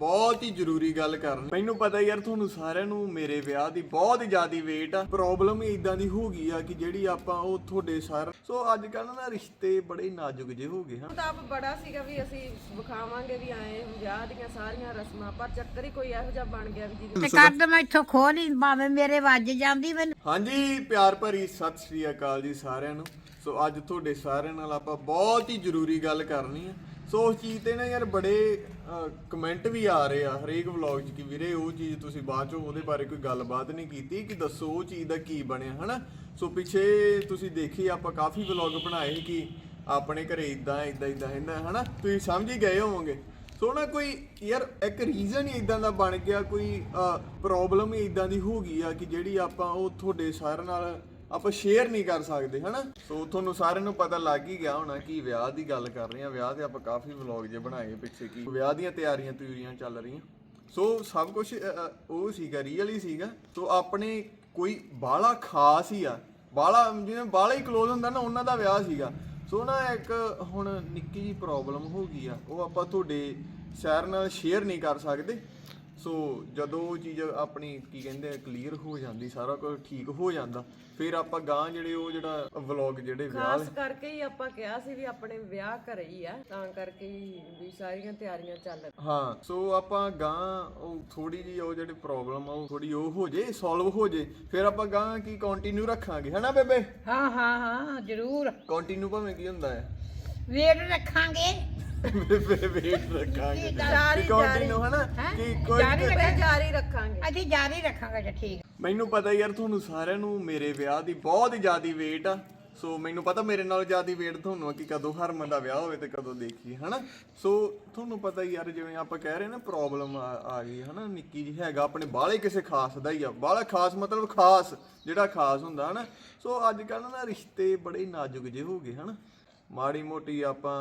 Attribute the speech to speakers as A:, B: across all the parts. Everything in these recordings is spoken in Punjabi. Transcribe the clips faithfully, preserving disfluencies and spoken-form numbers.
A: बहुत ही जरूरी गल करनी। मैनू पता यार तुहानू सारिਆਂ ਨੂੰ ਮੇਰੇ ਵਿਆਹ ਦੀ ਬਹੁਤ ਹੀ ਜ਼ਿਆਦੀ ਵੇਟ ਆ। ਪ੍ਰੋਬਲਮ ਹੀ ਇਦਾਂ ਦੀ ਹੋ ਗਈ ਆ ਕਿ ਜਿਹੜੀ ਆਪਾਂ ਉਹ ਤੁਹਾਡੇ ਸਾਰ ਸੋ ਅੱਜ ਕੱਲ ਨਾ ਰਿਸ਼ਤੇ ਬੜੇ ਨਾਜ਼ੁਕ ਜਿਹੇ ਹੋ ਗਏ ਹਨ।
B: ਤਾਂ ਆਪ ਬੜਾ ਸੀਗਾ ਵੀ ਅਸੀਂ ਵਿਖਾਵਾਂਗੇ ਵੀ ਆਏ ਵਿਆਹ ਦੀਆਂ ਸਾਰੀਆਂ ਰਸਮਾਂ, ਪਰ ਚੱਕਰ ਹੀ ਕੋਈ ਇਹੋ ਜਿਹਾ ਬਣ ਗਿਆ ਵੀ ਜਿਹਦੇ
C: ਤੇ ਕਰ ਮੈਂ ਇੱਥੋਂ ਖੋ ਨਹੀਂ ਭਾਵੇਂ ਮੇਰੇ ਵੱਜ ਜਾਂਦੀ ਮੈਨੂੰ।
A: ਹਾਂਜੀ ਪਿਆਰ ਭਰੀ ਸਤਿ ਸ੍ਰੀ ਅਕਾਲ ਜੀ ਸਾਰਿਆਂ ਨੂੰ। ਸੋ ਅੱਜ ਤੁਹਾਡੇ ਸਾਰਿਆਂ ਨਾਲ ਆਪਾਂ ਬਹੁਤ ਹੀ ਜ਼ਰੂਰੀ ਗੱਲ ਕਰਨੀ ਆ। ਸੋ ਉਸ ਚੀਜ਼ ਤੇ ਨਾ ਯਾਰ ਬੜੇ ਕਮੈਂਟ ਵੀ ਆ ਰਹੇ ਆ ਹਰੇਕ ਵਲੌਗ 'ਚ ਕਿ ਵੀਰੇ ਉਹ ਚੀਜ਼ ਤੁਸੀਂ ਬਾਅਦ 'ਚੋਂ ਉਹਦੇ ਬਾਰੇ ਕੋਈ ਗੱਲਬਾਤ ਨਹੀਂ ਕੀਤੀ ਕਿ ਦੱਸੋ ਉਹ ਚੀਜ਼ ਦਾ ਕੀ ਬਣਿਆ ਹਨਾ। ਸੋ ਪਿੱਛੇ ਤੁਸੀਂ ਦੇਖੀ ਆਪਾਂ ਕਾਫੀ ਵਲੌਗ ਬਣਾਏ ਕਿ ਆਪਣੇ ਘਰੇ ਇਦਾਂ ਇਦਾਂ ਇਦਾਂ ਹੁੰਦਾ ਹਨਾ, ਤੁਸੀਂ ਸਮਝ ਹੀ ਗਏ ਹੋਵੋਗੇ। ਸੋ ਨਾ ਕੋਈ ਯਾਰ ਇੱਕ ਰੀਜ਼ਨ ਹੀ ਇਦਾਂ ਦਾ ਬਣ ਗਿਆ, ਕੋਈ ਪ੍ਰੋਬਲਮ ਹੀ ਇਦਾਂ ਦੀ ਹੋ ਗਈ ਆ ਕਿ ਜਿਹੜੀ ਆਪਾਂ ਉਹ ਤੁਹਾਡੇ ਸਾਰਿਆਂ ਨਾਲ ਆਪਾਂ ਸ਼ੇਅਰ ਨਹੀਂ ਕਰ ਸਕਦੇ ਹਨਾ। ਸੋ ਤੁਹਾਨੂੰ ਸਾਰਿਆਂ ਨੂੰ ਪਤਾ ਲੱਗ ਹੀ ਗਿਆ ਹੋਣਾ ਕਿ ਵਿਆਹ ਦੀ ਗੱਲ ਕਰ ਰਹੇ ਆ। ਵਿਆਹ ਤੇ ਆਪਾਂ ਕਾਫੀ ਵਲੌਗ ਜੇ ਬਣਾਏ ਪਿੱਛੇ ਕਿ ਵਿਆਹ ਦੀਆਂ ਤਿਆਰੀਆਂ ਤਿਉਰੀਆਂ ਚੱਲ ਰਹੀਆਂ। ਸੋ ਸਭ ਕੁਝ ਉਹ ਸੀਗਾ ਰੀਅਲ ਹੀ ਸੀਗਾ। ਸੋ ਆਪਣੇ ਕੋਈ ਬਾਹਲਾ ਖਾਸ ਹੀ ਆ, ਬਾਹਲਾ ਜਿਵੇਂ ਬਾਹਲਾ ਹੀ ਕਲੋਜ਼ ਹੁੰਦਾ ਨਾ ਉਹਨਾਂ ਦਾ ਵਿਆਹ ਸੀਗਾ। ਸੋ ਨਾ ਇੱਕ ਹੁਣ ਨਿੱਕੀ ਜਿਹੀ ਪ੍ਰੋਬਲਮ ਹੋ ਗਈ ਆ, ਉਹ ਆਪਾਂ ਤੁਹਾਡੇ ਸ਼ਹਿਰ ਨਾਲ ਸ਼ੇਅਰ ਨਹੀਂ ਕਰ ਸਕਦੇ। ਸੋ ਜਦੋਂ ਉਹ ਚੀਜ਼ ਆਪਣੀ ਕੀ ਕਹਿੰਦੇ ਆ ਕਲੀਅਰ ਹੋ ਜਾਂਦੀ, ਸਾਰਾ ਕੁਝ ਠੀਕ ਹੋ ਜਾਂਦਾ, ਫਿਰ ਆਪਾਂ ਗਾਂ ਜਿਹੜੇ ਉਹ ਜਿਹੜਾ ਵਲੌਗ ਜਿਹੜੇ ਵਿਆਹ
B: ਖਾਸ ਕਰਕੇ ਹੀ ਆਪਾਂ ਕਿਹਾ ਸੀ ਵੀ ਆਪਣੇ ਵਿਆਹ ਘਰੇ ਹੀ ਆ, ਤਾਂ ਕਰਕੇ ਹੀ ਵੀ ਸਾਰੀਆਂ ਤਿਆਰੀਆਂ ਚੱਲ ਰਹੀਆਂ।
A: ਹਾਂ ਸੋ ਆਪਾਂ ਗਾਂ ਉਹ ਥੋੜੀ ਜਿਹੀ ਉਹ ਜਿਹੜੀ ਪ੍ਰੋਬਲਮ ਆ ਉਹ ਥੋੜੀ ਉਹ ਹੋ ਜੇ ਸੋਲਵ ਹੋ ਜੇ, ਫਿਰ ਆਪਾਂ ਗਾਂ ਕੀ ਕੰਟੀਨਿਊ ਰੱਖਾਂਗੇ ਹਨਾ ਬੇਬੇ।
C: ਹਾਂ ਹਾਂ ਹਾਂ ਜ਼ਰੂਰ
A: ਕੰਟੀਨਿਊ ਭਾਵੇਂ ਕੀ ਹੁੰਦਾ ਹੈ
C: ਵੇਟ ਰੱਖਾਂਗੇ
A: ਵੇਟ ਰੱਖਾਂਗੇ
B: ਜਾਰੀ
A: ਕੰਟੀਨਿਊ ਹਨਾ ਕਿ ਕੋਈ
B: ਜਾਰੀ ਜਾਰੀ ਰੱਖਾਂਗੇ
C: ਅਸੀਂ ਜਾਰੀ ਰੱਖਾਂਗੇ ਜੀ। ਠੀਕ
A: ਮੈਨੂੰ ਪਤਾ ਯਾਰ ਤੁਹਾਨੂੰ ਸਾਰਿਆਂ ਨੂੰ ਮੇਰੇ ਵਿਆਹ ਦੀ ਬਹੁਤ ਹੀ ਜ਼ਿਆਦੀ ਵੇਟ ਆ। ਸੋ ਮੈਨੂੰ ਪਤਾ ਮੇਰੇ ਨਾਲ ਜ਼ਿਆਦੀ ਵੇਟ ਤੁਹਾਨੂੰ ਆ ਕਿ ਕਦੋਂ ਹਰਮਨ ਦਾ ਵਿਆਹ ਹੋਵੇ ਤੇ ਕਦੋਂ ਦੇਖੀਏ ਹਨਾ। ਸੋ ਤੁਹਾਨੂੰ ਪਤਾ ਯਾਰ ਜਿਵੇਂ ਆਪਾਂ ਕਹਿ ਰਹੇ ਨਾ ਪ੍ਰੋਬਲਮ ਆ ਗਈ ਹਨਾ, ਨਿੱਕੀ ਜਿਹੀ ਹੈਗਾ ਆਪਣੇ ਬਾਹਲੇ ਕਿਸੇ ਖਾਸ ਦਾ ਹੀ ਆ। ਬਾਹਲਾ ਖਾਸ ਮਤਲਬ ਖਾਸ ਜਿਹੜਾ ਖਾਸ ਹੁੰਦਾ ਹਨਾ। ਸੋ ਅੱਜ ਕੱਲ੍ਹ ਨਾ ਰਿਸ਼ਤੇ ਬੜੇ ਨਾਜ਼ੁਕ ਜਿਹੇ ਹੋ ਗਏ ਹਨਾ। ਮਾੜੀ ਮੋਟੀ ਆਪਾਂ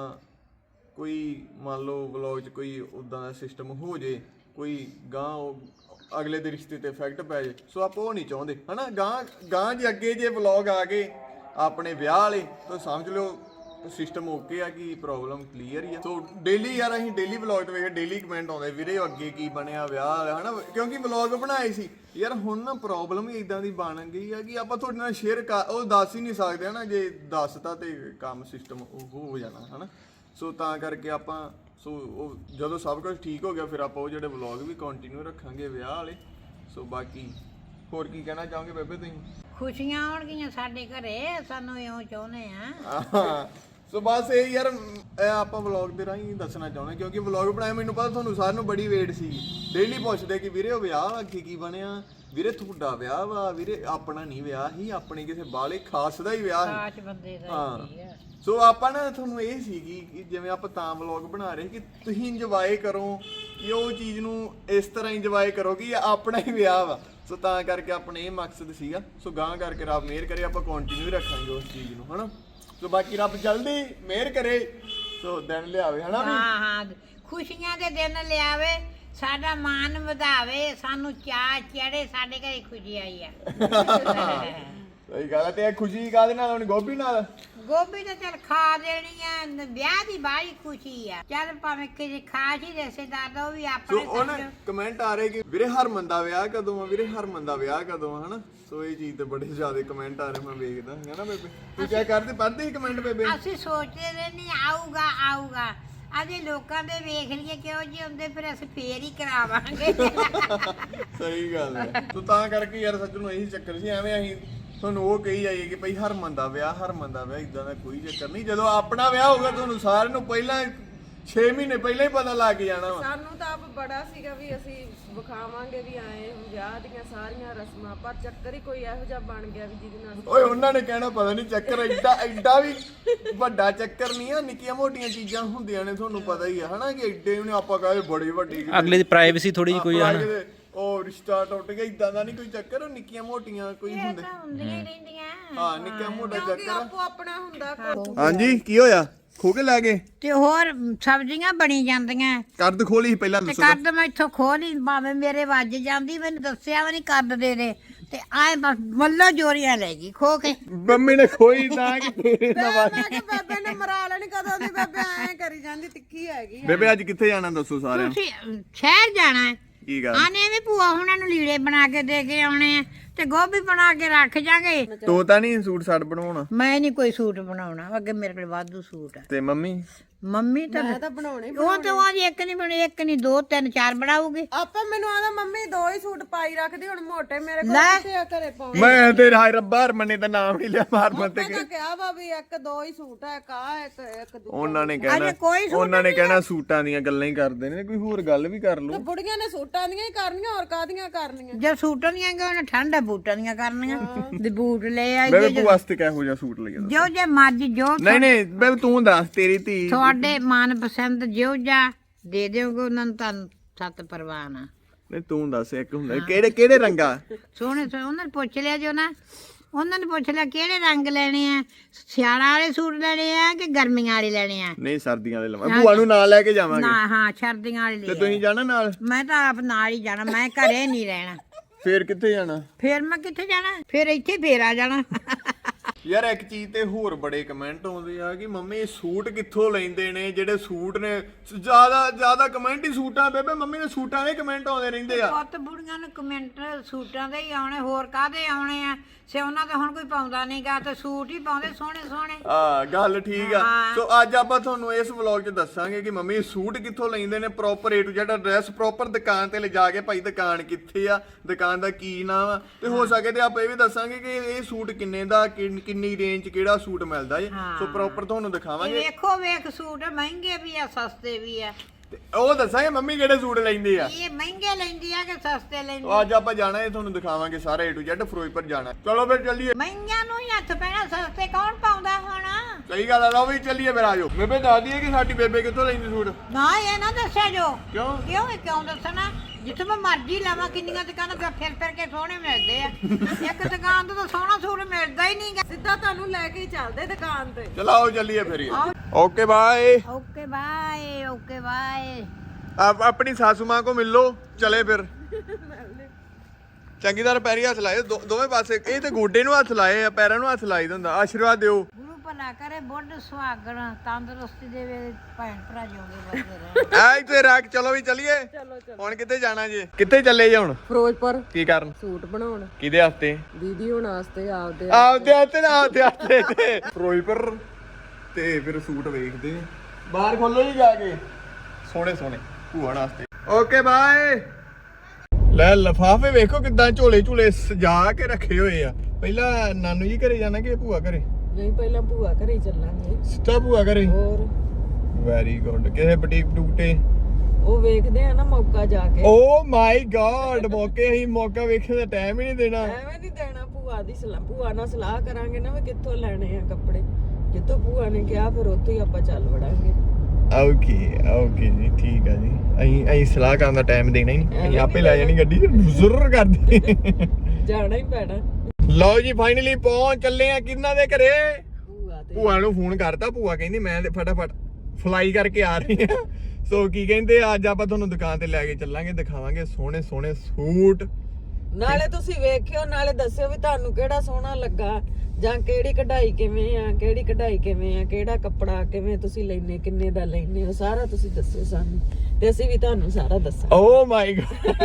A: ਕੋਈ ਮੰਨ ਲਓ ਵਲੌਗ 'ਚ ਕੋਈ ਉੱਦਾਂ ਦਾ ਸਿਸਟਮ ਹੋ ਜੇ, ਕੋਈ ਗਾਂ ਉਹ ਅਗਲੇ ਦੇ ਰਿਸ਼ਤੇ ਤੇ ਇਫੈਕਟ ਪੈ ਜੇ। ਸੋ ਆਪਾਂ ਉਹ ਨਹੀਂ ਚਾਹੁੰਦੇ ਹਨਾ। ਗਾਂ ਗਾਂ ਜੇ ਅੱਗੇ ਜੇ ਵਲੌਗ ਆ ਗਏ ਆਪਣੇ ਵਿਆਹ ਵਾਲੇ ਤਾਂ ਸਮਝ ਲਿਓ ਸਿਸਟਮ ਓਕੇ ਆ ਕਿ ਪ੍ਰੋਬਲਮ ਕਲੀਅਰ ਹੀ ਆ। ਸੋ ਡੇਲੀ ਯਾਰ ਅਸੀਂ ਡੇਲੀ ਵਲੌਗ ਤੇ ਵੇਖ ਡੇਲੀ ਕਮੈਂਟ ਆਉਂਦੇ ਵੀਰੇ ਅੱਗੇ ਕੀ ਬਣਿਆ ਵਿਆਹ ਵਾਲਾ ਹਨਾ, ਕਿਉਂਕਿ ਵਲੌਗ ਬਣਾਏ ਸੀ ਯਾਰ। ਹੁਣ ਨਾ ਪ੍ਰੋਬਲਮ ਹੀ ਇਦਾਂ ਦੀ ਬਣ ਗਈ ਆ ਕਿ ਆਪਾਂ ਤੁਹਾਡੇ ਨਾਲ ਸ਼ੇਅਰ ਕਰ ਉਹ ਦੱਸ ਹੀ ਨਹੀਂ ਸਕਦੇ ਹਨਾ। ਜੇ ਦੱਸਤਾ ਤੇ ਕੰਮ ਸਿਸਟਮ ਉਹ ਹੋ ਜਾਣਾ ਹਨਾ। ਸੋ ਤਾਂ ਕਰਕੇ ਆਪਾਂ ਸੋ ਉਹ ਜਦੋਂ ਸਭ ਕੁਝ ਠੀਕ ਹੋ ਗਿਆ ਫਿਰ ਆਪਾਂ ਉਹ ਜਿਹੜੇ ਵਲੌਗ ਵੀ ਕੰਟੀਨਿਊ ਰੱਖਾਂਗੇ ਵਿਆਹ ਵਾਲੇ। ਸੋ ਬਾਕੀ ਹੋਰ ਕੀ ਕਹਿਣਾ ਚਾਹੋਗੇ ਬੇਬੇ ਤੁਸੀਂ?
C: ਖੁਸ਼ੀਆਂ ਆਉਣਗੀਆਂ ਸਾਡੇ ਘਰੇ, ਸਾਨੂੰ ਇਉਂ ਚਾਹੁੰਦੇ ਆ।
A: ਸੋ ਬਸ ਇਹ ਯਾਰ ਇਹ ਆਪਾਂ ਵਲੌਗ ਦੇ ਰਾਹੀਂ ਦੱਸਣਾ ਚਾਹੁੰਦੇ ਕਿਉਂਕਿ ਵਲੌਗ ਬਣਾਇਆ ਮੈਨੂੰ ਪਤਾ ਤੁਹਾਨੂੰ ਸਾਰਿਆਂ ਨੂੰ ਬੜੀ ਵੇਟ ਸੀ। ਡੇਲੀ ਪੁੱਛਦੇ ਕਿ ਵੀਰੇ ਉਹ ਵਿਆਹ ਅੱਗੇ ਕੀ ਬਣਿਆ, ਵੀਰੇ ਤੁਹਾਡਾ ਵਿਆਹ ਵਾ, ਵੀਰੇ ਆਪਣਾ ਨਹੀਂ ਵਿਆਹ ਹੀ, ਆਪਣੇ ਕਿਸੇ ਬਾਲੇ ਖਾਸ ਦਾ ਹੀ ਵਿਆਹ
C: ਖਾਸ ਬੰਦੇ ਦਾ ਹੀ ਆ।
A: ਸੋ ਆਪਾਂ ਨਾ ਤੁਹਾਨੂੰ ਇਹ ਸੀਗੀ ਕਿ ਜਿਵੇਂ ਆਪਾਂ ਤਾਂ ਵਲੌਗ ਬਣਾ ਰਹੇ ਕਿ ਤੁਸੀਂ ਇੰਜੋਏ ਕਰੋ, ਕਿ ਉਹ ਚੀਜ਼ ਨੂੰ ਇਸ ਤਰ੍ਹਾਂ ਇੰਜੋਏ ਕਰੋ ਕਿ ਆਪਣਾ ਹੀ ਵਿਆਹ ਵਾ। ਸੋ ਤਾਂ ਕਰਕੇ ਆਪਣੇ ਇਹ ਮਕਸਦ ਸੀਗਾ। ਸੋ ਗਾਂ ਕਰਕੇ ਰੱਬ ਮਿਹਰ ਕਰੇ ਆਪਾਂ ਕੰਟੀਨਿਊ ਰੱਖਾਂਗੇ ਉਸ ਚੀਜ਼ ਨੂੰ ਹਨਾ। ਸੋ ਬਾਕੀ ਰੱਬ ਜਲਦੀ ਮਿਹਰ ਕਰੇ ਸੋ ਦਿਨ ਲਿਆਵੇ ਹਨਾ।
C: ਹਾਂ ਹਾਂ ਖੁਸ਼ੀਆਂ ਦੇ ਦਿਨ ਲਿਆਵੇ, ਸਾਡਾ ਮਾਣ ਵਧਾਵੇ, ਸਾਨੂੰ ਚਾਅ ਚੜੇ, ਸਾਡੇ ਘਰੇ ਖੁਸ਼ੀ ਆਈ ਆ।
A: ਸਹੀ ਗੱਲ ਹੈ। ਤੇ ਇਹ ਖੁਸ਼ੀ ਕਾਹਦੇ ਨਾਲ ਹੋਣੀ? ਗੋਭੀ ਨਾਲ।
C: ਗੋਭੀ ਤਾਂ ਚੱਲ ਖਾ ਦੇਣੀ ਆ, ਵਿਆਹ ਦੀ ਬਾਹਲੀ ਖੁਸ਼ੀ ਆ। ਚੱਲ ਭਾਵੇਂ ਕਿਸੇ ਖਾਸ ਹੀ ਰਿਸ਼ਤੇਦਾਰ ਦਾ ਉਹ ਵੀ
A: ਸੋ
C: ਆਪਣੇ
A: ਉਹ ਨਾ ਕਮੈਂਟ ਆ ਰਹੇ ਕਿ ਵੀਰੇ ਹਰਮਨ ਦਾ ਵਿਆਹ ਕਦੋਂ ਆ, ਵੀਰੇ ਹਰਮਨ ਦਾ ਵਿਆਹ ਕਦੋਂ ਆ ਹਨਾ। ਸੋ ਇਹ ਚੀਜ਼ ਤੇ ਬੜੇ ਜ਼ਿਆਦਾ ਕਮੈਂਟ ਆ ਰਹੇ ਮੈਂ ਵੇਖਦਾ ਹੈ ਨਾ ਬੇਬੇ। ਤੂੰ ਕੀ ਕਰਦੇ ਪੜ੍ਹਦੇ ਹੀ ਕਮੈਂਟ ਬੇਬੇ?
C: ਅਸੀਂ ਸੋਚਦੇ ਰਹਿੰਦੇ ਆਊਗਾ ਆਊਗਾ, ਅਜੇ ਲੋਕਾਂ ਦੇ ਵੇਖ ਲਈਏ ਕਿਉਂ ਜੀ ਹੁੰਦੇ, ਫਿਰ ਅਸੀਂ ਫੇਰ ਹੀ ਕਰਾਵਾਂਗੇ।
A: ਸਹੀ ਗੱਲ ਹੈ। ਤੂੰ ਤਾਂ ਕਰਕੇ ਯਾਰ ਸੱਚ ਨੂੰ ਇਹੀ ਚੱਕਰ ਸੀ, ਐਵੇਂ ਅਸੀਂ ਤੁਹਾਨੂੰ ਉਹ ਕਹੀ ਜਾਈਏ ਕਿ ਭਾਈ ਹਰਮਨ ਦਾ ਵਿਆਹ ਹਰਮਨ ਦਾ ਵਿਆਹ, ਇਦਾਂ ਦਾ ਕੋਈ ਚੱਕਰ ਨਹੀਂ। ਜਦੋਂ ਆਪਣਾ ਵਿਆਹ ਹੋਊਗਾ ਤੁਹਾਨੂੰ ਸਾਰਿਆਂ ਨੂੰ ਪਹਿਲਾਂ ਛੇ ਮਹੀਨੇ ਪਹਿਲਾਂ ਹੀ ਪਤਾ ਲੱਗ ਜਾਣਾ ਵਾ।
B: ਸਾਨੂੰ ਤਾਂ ਆਪ ਬੜਾ ਸੀਗਾ ਵੀ ਅਸੀਂ ਵਿਖਾਵਾਂਗੇ ਵੀ ਆਏ ਵਿਆਹ ਦੀਆਂ ਸਾਰੀਆਂ ਰਸਮਾਂ, ਪਰ ਚੱਕਰ ਹੀ ਕੋਈ ਇਹੋ ਜਿਹਾ ਬਣ ਗਿਆ ਵੀ ਜਿਹਦੇ ਨਾਲ
A: ਓਏ ਉਹਨਾਂ ਨੇ ਕਹਿਣਾ ਪਤਾ ਨਹੀਂ ਚੱਕਰ ਐਡਾ ਐਡਾ ਵੀ ਵੱਡਾ ਚੱਕਰ ਨਹੀਂ ਆ। ਨਿੱਕੀਆਂ ਮੋਟੀਆਂ ਚੀਜ਼ਾਂ ਹੁੰਦੀਆਂ ਨੇ ਤੁਹਾਨੂੰ ਪਤਾ ਹੀ ਆ ਹਨਾ ਕਿ ਐਡੇ ਵੀ ਆਪਾਂ ਕਹੇ ਬੜੀ ਵੱਡੀ
D: ਅਗਲੇ ਦੀ ਪ੍ਰਾਈਵੇਸੀ ਥੋੜੀ ਜਿਹੀ ਕੋਈ ਆ ਨਾ।
A: ਉਹ ਰਿਸ਼ਤਾ ਟੁੱਟ ਗਿਆ ਇਦਾਂ ਦਾ ਨਹੀਂ ਕੋਈ ਚੱਕਰ। ਉਹ ਨਿੱਕੀਆਂ ਮੋਟੀਆਂ ਕੋਈ
C: ਇਹ
A: ਹੁੰਦੇ
C: ਤਾਂ ਹੁੰਦੀਆਂ ਹੀ ਰਹਿੰਦੀਆਂ।
A: ਹਾਂ ਨਿੱਕਾ ਮੋਟਾ
B: ਕਿਉਂਕਿ
A: ਚੱਕਰ।
B: ਆਪੋ ਆਪਣਾ ਹੁੰਦਾ ਕੋਈ।
A: ਹਾਂਜੀ ਕੀ ਹੋਇਆ? ਖੋ ਕੇ ਲੈ ਗਏ
C: ਤੇ ਹੋਰ ਸਬਜ਼ੀਆਂ ਬਣੀ ਜਾਂਦੀਆਂ।
A: ਕਰਦ ਖੋਲੀ ਪਹਿਲਾਂ
C: ਤੇ
A: ਦੱਸੋ।
C: ਕਰਦ ਮੈਂ ਇੱਥੋਂ ਖੋ ਨਹੀਂ ਭਾਵੇਂ ਮੇਰੇ ਵੱਜ ਜਾਂਦੀ, ਮੈਨੂੰ ਦੱਸਿਆ ਵੀ ਨਹੀਂ ਕਰਦ ਦੇ ਦੇ ਤੇ ਆਏ ਬਸ ਮੱਲੋ ਜੋਰੀਆਂ ਲੈ ਗਈ ਖੋ ਕੇ।
A: ਮੰਮੀ ਨੇ ਖੋਈ ਤਾਂ ਕਿ ਤੇਰੇ ਨਾਲ
B: ਮੈਂ ਕਿਹਾ ਬੇਬੇ ਨੇ ਮਰਾ ਲੈਣੀ ਕਦੋਂ ਦੀ ਬੇਬੇ ਐ ਕਰੀ ਜਾਂਦੀ ਤਿੱਖੀ ਹੈਗੀ ਆ।
A: ਬੇਬੇ ਅੱਜ ਕਿੱਥੇ ਜਾਣਾ ਦੱਸੋ ਸਾਰਿਆਂ ਨੂੰ।
C: ਤੁਸੀਂ ਸ਼ਹਿਰ ਜਾਣਾ ਹੈ,
A: ਕੀ ਗੱਲ
C: ਆਨੇ ਵੀ ਭੂਆ ਹੁਣਾਂ ਨੂੰ ਲੀੜੇ ਬਣਾ ਕੇ ਦੇ ਕੇ ਆਉਣੇ ਆ ਤੇ ਗੋਭੀ ਬਣਾ ਕੇ ਰੱਖ ਜਾਗੇ।
A: ਤੂੰ ਤਾਂ ਨਹੀਂ ਸੂਟ ਸਾਟ ਬਣਾਉਣਾ
C: ਮੈਂ ਨਹੀਂ ਕੋਈ ਸੂਟ ਬਣਾਉਣਾ, ਅੱਗੇ ਮੇਰੇ ਕੋਲ ਵਾਧੂ ਸੂਟ ਆ।
A: ਤੇ ਮੰਮੀ
C: ਮੰਮੀ ਤਾਂ
B: ਮੈਂ ਤਾਂ ਬਣਾਉਣੇ
C: ਉਹ ਤਾਂ ਉਹ ਇੱਕ ਨਹੀਂ ਬਣੇ, ਇੱਕ ਨਹੀਂ ਦੋ ਤਿੰਨ ਚਾਰ ਬਣਾਉਗੀ।
B: ਆਪੇ ਮੈਨੂੰ ਆਦਾ ਮੰਮੀ ਦੋ ਹੀ ਸੂਟ ਪਾਈ ਰੱਖਦੀ ਹੁਣ ਮੋਟੇ ਮੇਰੇ ਕੋਲ
C: ਲੈ।
B: ਕਿੱਥੇ ਆ ਘਰੇ ਪਾਉਣ।
A: ਮੈਂ ਤੇ ਹਾਏ ਰੱਬਾ ਹਰਮਨੇ ਦਾ ਨਾਮ ਨਹੀਂ ਲਿਆ ਮਾਰ ਮਤ
B: ਮੈਂ ਤਾਂ ਕਿਹਾ ਵਾ ਵੀ ਇੱਕ ਦੋ ਹੀ ਸੂਟ ਹੈ ਕਾ ਇੱਕ ਇੱਕ ਦੂਜਾ।
A: ਉਹਨਾਂ ਨੇ
C: ਅਜੇ
A: ਕਹਿਣਾ
C: ਕੋਈ ਸੂਟ
A: ਉਹਨਾਂ ਨੇ ਕਹਿਣਾ ਸੂਟਾਂ ਦੀਆਂ ਗੱਲਾਂ ਹੀ ਕਰਦੇ ਨੇ, ਕੋਈ ਹੋਰ ਗੱਲ ਵੀ ਕਰ
B: ਤੇ
A: ਲਓ।
B: ਬੁੜੀਆਂ ਨੇ ਸੂਟਾਂ ਦੀਆਂ ਹੀ ਕਰਨੀਆਂ ਹੋਰ ਕਾਦੀਆਂ ਕਰਨੀਆਂ।
C: ਜੇ ਸੂਟਾਂ ਦੀਆਂ ਗਏ ਉਹਨੇ ਠੰਡਾ ਬੂਟਾਂ ਦੀਆਂ ਕਰਨੀਆਂ ਤੇ ਬੂਟ ਲੈ ਆਈ
A: ਬੇਬੇ ਤੂੰ ਵਾਸਤੇ ਕਿਹੋ ਜਿਹਾ ਸੂਟ ਲਿਆ
C: ਜੋ ਜੇ ਮਰਜੀ ਜੋ
A: ਨਹੀਂ ਨਹੀਂ ਬੇਬੇ ਤੂੰ ਦੱਸ ਤੇਰੀ ਧੀ
C: ਤੁਹਾਡੇ ਮਨਪਸੰਦ ਜਿਉ ਜਾ ਦੇ ਦਿਓਗੇ ਉਹਨਾਂ ਨੂੰ ਤਾਂ ਸੱਤ ਪਰਵਾਨ ਆ।
A: ਨਹੀਂ ਤੂੰ ਦੱਸ ਇੱਕ ਹੁੰਦਾ ਕਿਹੜੇ ਕਿਹੜੇ ਰੰਗਾ
C: ਸੋਹਣੇ ਸੋਹਣੇ ਉਹਨਾਂ ਨੂੰ ਪੁੱਛ ਲਿਆ ਜੋ ਨਾ, ਉਹਨਾਂ ਨੇ ਪੁੱਛ ਲਿਆ ਕਿਹੜੇ ਰੰਗ ਲੈਣੇ ਆ, ਸਿਆਲਾਂ ਵਾਲੇ ਸੂਟ ਲੈਣੇ ਆ ਕਿ ਗਰਮੀਆਂ ਵਾਲੇ ਲੈਣੇ ਆ।
A: ਨਹੀਂ ਸਰਦੀਆਂ ਵਾਲੇ ਲਵਾਂ ਭੂਆ ਨੂੰ ਨਾਲ ਲੈ ਕੇ ਜਾਵਾਂਗੇ
C: ਨਾ ਹਾਂ ਸਰਦੀਆਂ ਵਾਲੇ
A: ਤੇ
C: ਲੈ
A: ਤੁਸੀਂ ਜਾਣਾ ਨਾਲ
C: ਮੈਂ ਤਾਂ ਆਪ ਨਾਲ ਹੀ ਜਾਣਾ, ਮੈਂ ਘਰੇ ਨਹੀਂ ਰਹਿਣਾ।
A: ਫੇਰ ਕਿੱਥੇ ਜਾਣਾ
C: ਫੇਰ ਮੈਂ ਕਿੱਥੇ ਜਾਣਾ, ਫੇਰ ਇੱਥੇ ਫੇਰ ਆ ਜਾਣਾ।
A: ਯਾਰ ਇੱਕ ਚੀਜ਼ ਤੇ ਹੋਰ ਬੜੇ ਕਮੈਂਟ ਆਉਂਦੇ ਆ ਕਿ ਮੰਮੀ ਇਹ ਸੂਟ ਕਿੱਥੋਂ ਲੈਂਦੇ ਨੇ ਜਿਹੜੇ ਸੂਟ ਨੇ ਜਿਆਦਾ ਜਿਆਦਾ ਕਮੈਂਟ ਹੀ ਸੂਟਾਂ ਬੇਬੇ ਮੰਮੀ ਨੇ ਸੂਟਾਂ ਦੇ ਕਮੈਂਟ ਆਉਂਦੇ ਰਹਿੰਦੇ ਆ।
C: ਪੁੱਤ ਬੁੜੀਆਂ ਨੂੰ ਕਮੈਂਟ ਸੂਟਾਂ ਦੇ ਹੀ ਆਉਣੇ, ਹੋਰ ਕਾਹਦੇ ਆਉਣੇ ਆ। ਸਿਉਣਾ ਤਾਂ ਹੁਣ ਕੋਈ ਪਾਉਂਦਾ ਨਹੀਂਗਾ ਤੇ ਸੂਟ ਹੀ ਪਾਉਂਦੇ ਸੋਹਣੇ ਸੋਹਣੇ।
A: ਆ ਗੱਲ ਠੀਕ ਆ।
C: ਹਾਂ।
A: ਸੋ ਅੱਜ ਆਪਾਂ ਤੁਹਾਨੂੰ ਇਸ ਵਲੌਗ 'ਚ ਦੱਸਾਂਗੇ ਕਿ ਮੰਮੀ ਸੂਟ ਕਿੱਥੋਂ ਲੈਂਦੇ ਨੇ proper A to Z address, proper ਦੁਕਾਨ ਤੇ ਲਿਜਾ ਕੇ ਭਾਈ ਦੁਕਾਨ ਕਿੱਥੇ ਆ, ਦੁਕਾਨ ਦਾ ਕੀ ਨਾਮ ਆ, ਤੇ ਹੋ ਸਕੇ ਤੇ ਆਪਾਂ ਇਹ ਵੀ ਦੱਸਾਂਗੇ ਕਿ ਇਹ ਸੂਟ ਕਿੰਨੇ ਦਾ ਕਿੰਨ- ਕਿੰਨੀ ਰੇਂਜ 'ਚ ਕਿਹੜਾ ਸੂਟ ਮਿਲਦਾ ਏ। ਸੋ ਪ੍ਰੋਪਰ ਤੁਹਾਨੂੰ
C: ਇਹ
A: ਦਿਖਾਵਾਂਗੇ
C: ਵੇਖੋ ਵੇਖ ਸੂਟ ਮਹਿੰਗੇ ਵੀ ਆ ਸਸਤੇ ਵੀ ਆ।
A: ਤੇ ਉਹ ਦੱਸਾਂਗੇ ਮੰਮੀ ਕਿਹੜੇ ਸੂਟ ਲੈਂਦੇ ਆ।
C: ਇਹ ਮਹਿੰਗੇ ਲੈਂਦੀ ਆ ਕਿ ਸਸਤੇ ਲੈਂਦੀ
A: ਉਹ ਅੱਜ ਆਪਾਂ ਜਾਣਾ ਹੈ ਤੁਹਾਨੂੰ ਦਿਖਾਵਾਂਗੇ ਸਾਰਾ ਏ ਟੂ ਜ਼ੈਡ ਫਿਰੋਜ਼ਪੁਰ ਜਾਣਾ। ਚਲੋ ਫਿਰ ਚੱਲੀਏ।
C: ਮਹਿੰਗਿਆਂ ਨੂੰ ਹੀ ਹੱਥ ਪੈਣਾ, ਸਸਤੇ ਕੌਣ ਪਾਉਂਦਾ ਹੁਣ।
A: ਸਹੀ ਗੱਲ ਆ ਲਓ ਵੀ ਚੱਲੀਏ ਫਿਰ ਆਜੋ। ਬੇਬੇ ਦੱਸ ਦਈਏ ਕਿ ਸਾਡੀ ਬੇਬੇ ਕਿੱਥੋਂ ਲੈਂਦੀ ਸੂਟ।
C: ਨਾ ਇਹ ਨਾ ਦੱਸਿਆ ਜੋ
A: ਕਿਉਂ
C: ਕਿਉਂ ਇਹ ਕਿਉਂ ਦੱਸਣਾ, ਜਿੱਥੇ ਮੈਂ ਮਰਜ਼ੀ ਲਾਵਾਂ ਕਿੰਨੀਆਂ ਦੁਕਾਨਾਂ ਤੇ ਫਿਰ ਫਿਰ ਕੇ ਸੋਹਣੇ ਮਿਲਦੇ ਆ। ਇੱਕ ਦੁਕਾਨ ਤੋਂ ਤਾਂ ਸੋਹਣਾ ਸੂਟ ਮਿਲਦਾ ਹੀ ਨਹੀਂਗਾ।
B: ਸਿੱਧਾ ਤੁਹਾਨੂੰ ਲੈ ਕੇ ਹੀ ਚੱਲਦੇ ਦੁਕਾਨ ਤੇ।
A: ਚਲੋ ਆਓ ਚੱਲੀਏ ਫਿਰ। Okay bye.
C: Okay bye okay bye.
A: ਆਪ ਆਪਣੀ ਸਾਸੂ ਮਾਂ ਕੋ ਮਿਲ ਲੋ। ਚਲੇ ਫਿਰ ਚੰਗੀ ਤਰ੍ਹਾਂ ਪੈਰੀ ਹੱਥ ਲਾਏ ਦੋ- ਦੋਵੇਂ ਪਾਸੇ। ਇਹ ਤੇ ਗੋਡੇ ਨੂੰ ਹੱਥ ਲਾਏ ਆ, ਪੈਰਾਂ ਨੂੰ ਹੱਥ ਲਾਈ ਹੁੰਦਾ। ਆਸ਼ੀਰਵਾਦ ਦਿਓ।
C: ਗੁਰੂ ਭਲਾ ਕਰੇ, ਬੁੱਢ ਸੁਹਾਗਣ ਤੰਦਰੁਸਤੀ ਦੇਵੇ, ਭੈਣ ਭਰਾ ਜਿਉਂਦੇ ਵਸਦੇ ਰਹਿਣ।
A: ਐ ਇੱਥੇ ਰੱਖ। ਚਲੋ ਵੀ ਚੱਲੀਏ। ਹੁਣ ਕਿੱਥੇ ਜਾਣਾ ਜੇ? ਕਿੱਥੇ ਚੱਲੇ ਜੇ ਹੁਣ?
B: ਫਿਰੋਜ਼ਪੁਰ
A: ਕੀ ਕਰਨ?
B: ਸੂਟ ਬਣਾਉਣ
A: ਕਿਹਦੇ ਹੱਥੇ?
B: ਦੀਦੀ ਹੁਣ ਵਾਸਤੇ ਆਪਦੇ
A: ਆਪਦੇ ਹੱਥੇ ਨਾ ਆਪਦੇ ਹੱਥੇ ਤੇ ਫਿਰੋਜ਼ਪੁਰ ਤੇ ਫਿਰ ਸੂਟ ਵੇਖਦੇ ਆ। ਬਾਹਰ ਖੋਲੋ ਜੀ ਜਾ ਕੇ ਸੋਹਣੇ ਸੋਹਣੇ ਭੂਆ ਵਾਸਤੇ। Okay bye. ਲੈ ਲਫਾਫੇ ਵੇਖੋ ਕਿਦਾਂ ਝੋਲੇ ਝੂਲੇ ਸਜਾ ਕੇ ਰੱਖੇ ਹੋਏ ਆ। ਪਹਿਲਾਂ ਨਾਨੂ ਜੀ ਘਰੇ ਜਾਣਾ ਕਿ ਭੂਆ ਘਰੇ?
B: ਨਹੀਂ ਪਹਿਲਾਂ ਭੂਆ ਘਰੇ ਹੀ ਚੱਲਾਂਗੇ।
A: ਸਿੱਧਾ ਭੂਆ ਘਰੇ?
B: ਹੋਰ
A: ਵੈਰੀ ਗੁੱਡ। ਕਿਸੇ ਬੁਟੀਕ ਬਟੂਟੇ
B: ਉਹ ਵੇਖਦੇ ਆ ਨਾ ਮੌਕਾ ਜਾ ਕੇ।
A: ਓ ਮਾਈ ਗॉड ਮੌਕੇ ਹੀ ਮੌਕਾ ਵੇਖਣ ਦਾ ਟਾਈਮ ਹੀ ਨਹੀਂ ਦੇਣਾ।
B: ਐਵੇਂ ਨਹੀਂ ਦੇਣਾ। ਭੂਆ ਦੀ ਸਲਾਹ ਭੂਆ ਨਾਲ ਸਲਾਹ ਕਰਾਂਗੇ ਨਾ ਵੀ ਕਿੱਥੋਂ ਲੈਣੇ ਆ ਕੱਪੜੇ। ਜਿੱਥੋਂ ਭੂਆ ਨੇ ਕਿਹਾ ਫਿਰ ਉੱਥੋਂ ਹੀ ਆਪਾਂ ਚੱਲ ਵੜਾਂਗੇ।
A: ਓਕੇ ਓਕੇ ਜੀ ਠੀਕ ਆ ਜੀ। ਅਸੀਂ ਅਸੀਂ ਸਲਾਹ ਕਰਨ ਦਾ ਟਾਈਮ ਦੇਣਾ ਹੀ ਨਹੀਂ। ਅਸੀਂ ਆਪੇ ਲੈ ਜਾਣੀ ਗੱਡੀ ਜ਼ਰੂਰ ਕਰਦੇ।
B: ਜਾਣਾ ਹੀ ਪੈਣਾ।
A: ਲਓ ਜੀ ਫਾਈਨਲੀ ਪਹੁੰਚ ਚੱਲੇ ਆ ਕਿੰਨਾ ਦੇ ਘਰੇ।
B: ਭੂਆ ਤੇ
A: ਭੂਆ ਨੂੰ ਫੋਨ ਕਰਤਾ। ਭੂਆ ਕਹਿੰਦੀ ਮੈਂ ਤੇ ਫਟਾਫਟ ਫਲਾਈ ਕਰਕੇ ਆ ਰਹੀ ਆ। ਸੋ ਕੀ ਕਹਿੰਦੇ ਅੱਜ ਆਪਾਂ ਤੁਹਾਨੂੰ ਦੁਕਾਨ ਤੇ ਲੈ ਕੇ ਚੱਲਾਂਗੇ, ਦਿਖਾਵਾਂਗੇ ਸੋਹਣੇ ਸੋਹਣੇ ਸੂਟ।
B: ਨਾਲੇ ਤੁਸੀਂ ਵੇਖਿਓ ਨਾਲੇ ਦੱਸਿਓ ਵੀ ਤੁਹਾਨੂੰ ਕਿਹੜਾ ਸੋਹਣਾ ਲੱਗਾ ਜਾਂ ਕਿਹੜੀ ਕਢਾਈ ਕਿਵੇਂ ਆ, ਕਿਹੜੀ ਕਢਾਈ ਕਿਵੇਂ ਆ, ਕਿਹੜਾ ਕੱਪੜਾ ਕਿਵੇਂ ਤੁਸੀਂ ਲੈਨੇ, ਕਿੰਨੇ ਦਾ ਲੈਨੇ ਹੋ, ਸਾਰਾ ਤੁਸੀਂ ਦੱਸਿਓ ਸਾਨੂੰ ਤੇ ਅਸੀਂ ਵੀ ਤੁਹਾਨੂੰ ਸਾਰਾ ਦੱਸਾਂਗੇ।
A: Oh my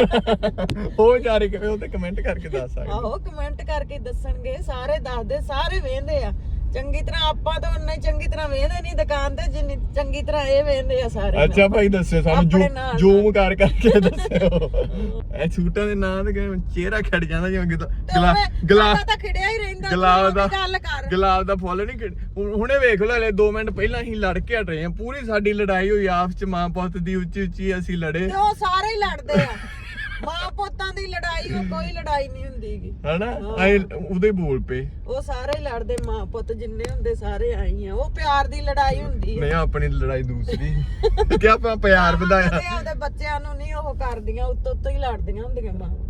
A: god. ਉਹ ਚਾਰੇ ਕਿਵੇਂ ਉਹ ਤੇ ਕਮੈਂਟ ਕਰਕੇ ਦੱਸ ਸਕਦੇ।
B: ਆਹੋ ਕਮੈਂਟ ਕਰਕੇ ਦੱਸਣਗੇ। ਸਾਰੇ ਦੱਸਦੇ, ਸਾਰੇ ਵੇਖਦੇ ਆ ਚੰਗੀ ਤਰ੍ਹਾਂ। ਆਪਾਂ ਤਾਂ ਉਨਾ ਹੀ ਚੰਗੀ ਤਰ੍ਹਾਂ ਵੇਖਦੇ ਨਹੀਂ ਦੁਕਾਨ ਤੇ ਜਿੰਨੀ ਚੰਗੀ ਤਰ੍ਹਾਂ ਇਹ ਵੇਖਦੇ ਆ ਸਾਰੇ।
A: ਅੱਛਾ ਭਾਈ ਦੱਸਿਓ ਸਾਨੂੰ
B: ਆਪਣੇ ਨਾਲ
A: ਜ਼ੂਮ ਕਰ ਕਰਕੇ ਦੱਸਿਓ। ਇਹ ਸੂਟਾਂ ਦੇ ਨਾਂ ਤੇ ਕਿਵੇਂ ਚਿਹਰਾ ਖੜ ਜਾਂਦਾ ਜਿਵੇਂ
B: ਤੇ
A: ਗਲਾ
B: ਉਵੇਂ
A: ਗਲਾ
B: ਸਾਡਾ ਤਾਂ ਖਿੜਿਆ ਹੀ ਰਹਿੰਦਾ।
A: ਗੁਲਾਬ ਦਾ
B: ਤੂੰ ਗੱਲ ਕਰ।
A: ਗੁਲਾਬ ਦਾ ਫੁੱਲ ਨਹੀਂ ਖਿੜ- ਹੁਣ- ਹੁਣੇ ਵੇਖ ਲਓ ਹਲੇ ਦੋ ਮਿੰਟ ਪਹਿਲਾਂ ਅਸੀਂ ਲੜ ਕੇ ਹਟ ਰਹੇ ਹਾਂ। ਪੂਰੀ ਸਾਡੀ ਲੜਾਈ ਹੋਈ ਆਪਸ ਚ, ਮਾਂ ਪੁੱਤ ਦੀ ਉੱਚੀ ਉੱਚੀ ਅਸੀਂ ਲੜੇ
B: ਤੇ ਉਹ ਸਾਰੇ ਹੀ ਲੜਦੇ ਆ। ਮਾਂ ਪੁੱਤਾਂ ਦੀ ਲੜਾਈ ਉਹ ਕੋਈ ਲੜਾਈ ਨਹੀਂ ਹੁੰਦੀਗੀ
A: ਹਨਾ। ਅਸੀਂ ਉਹਦੇ ਬੋਲ ਪਏ।
B: ਉਹ ਸਾਰੇ ਹੀ ਲੜਦੇ। ਮਾਂ ਪੁੱਤ ਜਿੰਨੇ ਹੁੰਦੇ ਸਾਰੇ ਆਈ ਆ। ਉਹ ਪਿਆਰ ਦੀ ਲੜਾਈ ਹੁੰਦੀ
A: ਨਹੀਂ ਆਪਣੀ ਲੜਾਈ ਦੂਸਰੀ ਕਿ ਆਪਾਂ ਪਿਆਰ ਵਧਾਇਆ।
B: ਆ। ਉਹਦੇ ਬੱਚਿਆਂ ਨੂੰ ਨਹੀਂ ਉਹ ਕਰਦੀਆਂ, ਉੱਤੋਂ ਉੱਤੋਂ ਹੀ ਲੜਦੀਆਂ ਹੁੰਦੀਆਂ ਮਾਂ।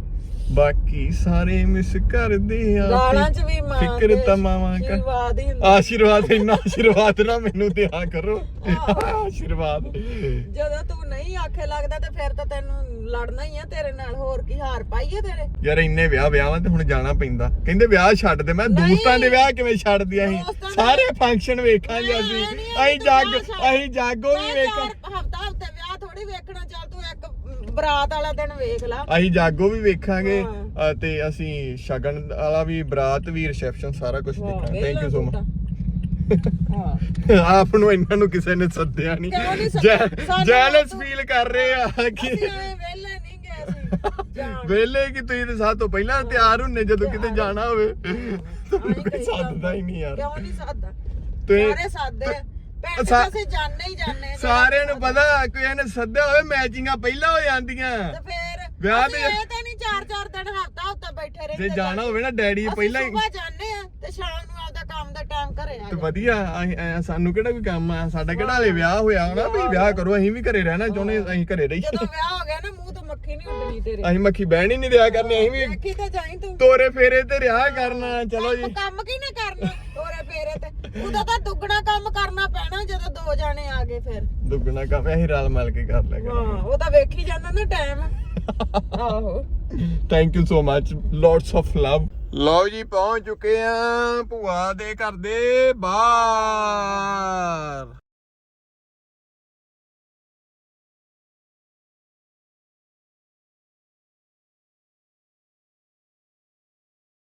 A: ਬਾਕੀ ਸਾਰੇ ਮਿਸ ਕਰਦੇ ਆ
B: ਗਾਲਾਂ ਚ ਵੀ ਮਾਂ
A: ਫਿਕਰ ਤਾਂ ਮਾਵਾਂ ਕਰ
B: ਆਸ਼ੀਰਵਾਦ ਹੀ ਹੁੰਦਾ।
A: ਆਸ਼ੀਰਵਾਦ ਇੰਨਾ ਆਸ਼ੀਰਵਾਦ ਨਾ ਮੈਨੂੰ ਦਿਆ ਕਰੋ ਆਸ਼ੀਰਵਾਦ
B: ਜਦੋਂ ਤੂੰ ਨਹੀਂ ਆਖੇ ਲੱਗਦਾ ਤੇ ਫਿਰ ਤਾਂ ਤੈਨੂੰ ਲੜਨਾ ਹੀ ਆ ਤੇਰੇ ਨਾਲ, ਹੋਰ ਕੀ ਹਾਰ ਪਾਈਏ ਤੇਰੇ।
A: ਯਾਰ ਇੰਨੇ ਵਿਆਹ ਵਿਆਹਾਂ ਤੇ ਹੁਣ ਜਾਣਾ ਪੈਂਦਾ। ਕਹਿੰਦੇ ਵਿਆਹ ਛੱਡ ਦੇ, ਮੈਂ
B: ਨਹੀਂ।
A: ਦੋਸਤਾਂ ਦੇ ਵਿਆਹ ਕਿਵੇਂ ਛੱਡ ਦਿਆ ਸੀ?
B: ਦੋਸਤਾਂ ਦੇ-
A: ਸਾਰੇ ਫੰਕਸ਼ਨ ਵੇਖਾਂਗੇ
B: ਮੈਂ
A: ਅਸੀਂ
B: ਨਹੀਂ
A: ਅਸੀਂ ਜਾਗ
B: ਵਿਆਹ ਛੱਡ-
A: ਅਸੀਂ ਜਾਗੋ ਵੀ ਵੇਖਾਂ
B: ਹਫਤਾ ਹਫਤੇ ਵਿਆਹ ਥੋੜੀ ਵੇਖਣਾ, ਚੱਲ ਤੂੰ ਇੱਕ ਬਰਾਤ ਵਾਲਾ ਦਿਨ ਵੇਖ ਲਾ।
A: ਅਸੀਂ ਜਾਗੋ ਵੀ ਵੇਖਾਂਗੇ
B: ਹਾਂ।
A: ਅ, ਤੇ ਅਸੀਂ ਸ਼ਗਨ ਵਾਲਾ ਵੀ, ਬਰਾਤ ਵੀ, ਰਿਸੈਪਸ਼ਨ ਸਾਰਾ ਕੁਝ ਦੇਖਾਂਗੇ। Thank you so much.
B: ਹਾਂ
A: ਆਪ ਨੂੰ ਇਹਨਾਂ ਨੂੰ ਕਿਸੇ ਨੇ ਸੱਦਿਆ
B: ਕਿਉਂ ਨਹੀਂ
A: ਨਹੀਂ,
B: ਸੱਦਿਆ? ਸਾਨੂੰ
A: ਜੈਲਸ
B: ਤੂੰ-
A: ਫੀਲ ਕਰ ਰਹੇ ਆ ਕਿ
B: ਅਸੀਂ ਐਵੇਂ ਵਿਹਲੇ ਨਹੀਂ ਗਏ ਸੀ ਜਾਣ।
A: ਵੇਲੇ ਕਿ ਤੁਸੀਂ ਤੇ ਸਾਥ ਤੋਂ ਪਹਿਲਾਂ ਤਿਆਰ ਹੁੰਨੇ ਜਦੋਂ ਕਿਤੇ ਜਾਣਾ ਹੋਵੇ। ਤੁਹਾਨੂੰ ਕੋਈ
B: ਕਹੀ
A: ਸੱਦਦਾ ਹੀ ਨਹੀਂ ਯਾਰ।
B: ਕਿਉਂ ਨਹੀਂ ਸੱਦਦਾ?
A: ਤੇ-
B: ਸਾਰੇ ਸਾਦੇ ਆ। ਭੈਣ
A: ਸਾ-
B: ਅਸੀਂ ਜਾਣੇ ਹੀ ਜਾਣੇ ਆ।
A: ਸਾਰਿਆਂ ਨੂੰ ਪਤਾ ਕੋਈ ਇਹਨੇ ਸੱਦਿਆ ਹੋਵੇ, ਮੈਚਿੰਗਾਂ ਪਹਿਲਾਂ ਹੋ ਜਾਂਦੀਆਂ।
B: ਤੇ ਫੇਰ
A: ਵਿਆਹ
B: ਅਸੀਂ
A: ਤੇ-
B: ਇਹ ਤਾਂ ਨਹੀਂ ਚਾਰ ਚਾਰ ਦਿਨ ਹਫਤਾ ਹਫਤਾ ਬੈਠੇ ਰਹਿੰਦੇ।
A: ਜੇ ਜਾਣਾ ਹੋਵੇ ਨਾ ਡੈਡੀ ਪਹਿਲਾਂ ਹੀ
B: ਸੁਬਾ ਜਾਣੇ ਆ ਤੇ ਸ਼ਾਮ ਨੂੰ ਆਪਦਾ ਕੰਮ ਦਾ ਟਾਈਮ ਘਰੇ ਆ
A: ਤੇ
B: ਜਾਂਦੇ।
A: ਵਧੀਆ। ਅਸੀਂ- ਐਂ ਸਾਨੂੰ ਕਿਹੜਾ ਕੋਈ ਕੰਮ ਆ? ਸਾਡਾ ਕਿਹੜਾ ਹਲੇ ਵਿਆਹ ਹੋਇਆ ਹੋਣਾ ਵੀ ਵਿਆਹ ਕਰੋ। ਅਸੀਂ ਵੀ ਘਰੇ ਰਹਿਣਾ ਚਾਹੁੰਦੇ, ਅਸੀਂ ਘਰੇ ਰਹੀ।
B: ਜਦੋਂ ਵਿਆਹ ਹੋ ਗਿਆ ਨਾ ਮੂੰਹ ਤੋਂ ਮੱਖੀ ਨਹੀਂ ਉੱਡਣੀ ਤੇਰੇ।
A: ਅਸੀਂ ਮੱਖੀ ਬਹਿਣ ਹੀ ਨਹੀਂ ਦਿਆ ਕਰਨੀ। ਅਸੀਂ ਵੀ
B: ਵੇਖੀ ਤਾਂ ਜਾਈ ਤੂੰ।
A: ਤੋਰੇ ਫੇਰੇ ਤੇ ਰਿਹਾ ਕਰਨਾ। ਚਲੋ ਜੀ,
B: ਕੰਮ ਕੀ ਨਾ ਕਰਨਾ ਤੋਰੇ ਫੇਰੇ ਤੇ। ਉਹਦਾ ਤਾਂ ਦੁੱਗਣਾ ਕੰਮ ਕਰਨਾ ਪੈਣਾ ਜਦੋਂ ਦੋ ਜਾਣੇ ਆ ਗਏ ਫਿਰ।
A: ਦੁੱਗਣਾ ਕੰਮ ਅਸੀਂ ਰਲ ਮਿਲ ਕੇ ਕਰ ਲਿਆ
B: ਹਾਂ ਉਹ ਤਾਂ ਵੇਖੀ ਜਾਂਦਾ ਨਾ ਟਾਈਮ। ਆਹੋ
A: thank you so much, lots of love. ਲਓ ਜੀ, ਪਹੁੰਚ ਚੁੱਕੇ ਆ ਭੂਆ ਦੇ ਘਰ ਦੇ ਬਾਹਰ।